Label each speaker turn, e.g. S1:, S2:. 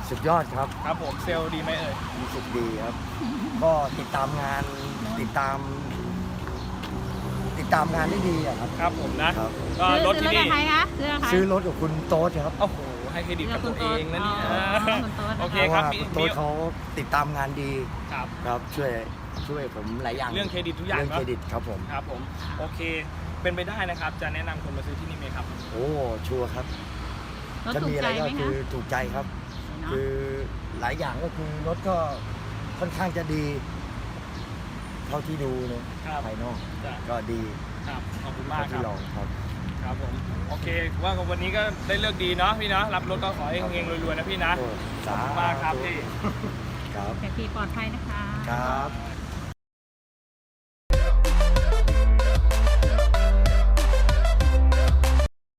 S1: สุดยอดครับ
S2: ครับผมเซลล์ดีไหมเอ่ย
S1: รู้สึกดีครับ ก็ติดตามงานติดตามงานได้ดีอะครับ
S2: ครับผมนะครับ ก็รถที่
S3: ซื้อ
S2: นี่
S3: กับใครคะ
S1: ซื้อรถกับคุณโต๊ดครับ
S2: โอ้โหให้เครดิตกับตัวเองนะเนี่ย
S3: คุณโต๊ด
S2: โอเค
S1: เพราะ
S2: ครับ
S1: ว่า
S2: มี
S1: คุณโต๊ดเขาติดตามงานดี
S2: ครับ
S1: ครับช่วยผมหลายอย่าง
S2: เรื่องเครดิตทุกอย่าง
S1: เรื่อง
S2: เนอะ
S1: เครดิตครับผม
S2: ครับผมโอเคเป็นไปได้นะครับจะแนะนำคนมาซื้อที่นี่ไหมครับ
S1: โอ้ชัวร์ครับ
S3: รถ
S1: ถ้า
S3: ถู
S1: มี
S3: ก
S1: อะ
S3: ใจ
S1: ไรก็
S3: ไหม
S1: คื
S3: คะ
S1: อถูกใจครับ
S3: เนาะ
S1: คือหลายอย่างก็คือรถก็ค่อนข้างจะดี เท่าที่ดูเนี่ย
S2: ครับ
S1: ภายนอก
S2: จ้ะ
S1: ก็ดี
S2: ครับขอบคุณมา
S1: เท่าก
S2: ค
S1: ที่
S2: รับ
S1: ลองครับ
S2: ครับผมโอเคว่าวันนี้ก็ได้เลือกดีเนาะพี่เนาะรับรถก็ขอให้เฮงๆรวยๆนะพี่นะ
S1: โอ้
S2: ขอบคุณมากครับพี่
S1: ครับ
S3: แต่ขี่ปลอดภัยนะคะ
S1: ครับ